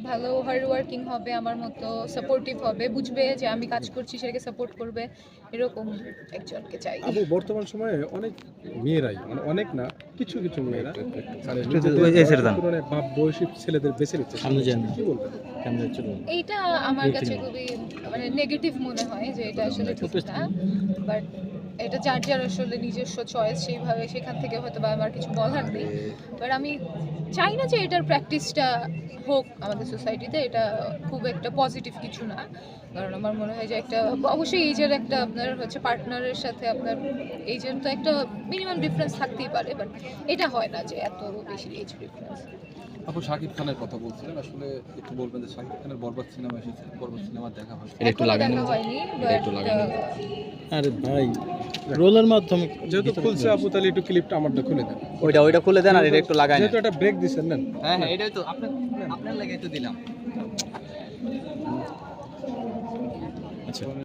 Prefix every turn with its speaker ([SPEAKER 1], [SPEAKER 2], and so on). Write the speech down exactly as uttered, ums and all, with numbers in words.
[SPEAKER 1] ভালো hard working হবে, আমার মতো সাপোর্টিভ হবে, বুঝবে যে আমি কাজ করছি সেটাকে সাপোর্ট করবে, এরকম একজনকে চাই।
[SPEAKER 2] আপু বর্তমান সময়ে অনেক মেয়েরাই মানে অনেক না কিছু কিছু মেয়েরা মানে নিজেদের বাপ বয়সী ছেলেদের বেছে নিচ্ছে, কি বলবেন?
[SPEAKER 1] এইটা আমার কাছে খুবই মানে নেগেটিভ মনে হয় যে এটা আসলে ঠিক না, বাট এটা যার যার আসলে নিজস্ব চয়েস, সেইভাবে সেখান থেকে হয়তো বা আমার কিছু বলার নেই। বাট আমি চাই না যে এটার প্র্যাকটিসটা হোক আমাদের সোসাইটিতে, এটা খুব একটা পজিটিভ কিছু না। কারণ আমার মনে হয় যে একটা অবশ্যই এইজের একটা আপনার হচ্ছে পার্টনারের সাথে আপনার এইজের তো একটা মিনিমাম ডিফারেন্স থাকতেই পারে, বাট এটা হয় না যে এত বেশি এজ ডিফারেন্স।
[SPEAKER 3] আপু শাকিব খানের কথা বলছিলেন, আসলে একটু বলবেন যে শাকিব খানের বরবাদ সিনেমা এসেছে, বরবাদ সিনেমা দেখা হয়
[SPEAKER 1] একটু লাগানো হয়নি, বাট
[SPEAKER 4] আরে ভাই রোলের মাধ্যমে
[SPEAKER 2] যেহেতু খুলছে আপু, তাহলে একটু ক্লিপটা আমারটা খুলে দেন,
[SPEAKER 5] ওইটা ওইটা খুলে দেন আর এটা একটু লাগাই
[SPEAKER 2] যেহেতু একটা ব্রেক দিচ্ছেন না।
[SPEAKER 5] হ্যাঁ হ্যাঁ এটাই তো আপনার আপনার লাগে তো দিলাম।
[SPEAKER 4] আচ্ছা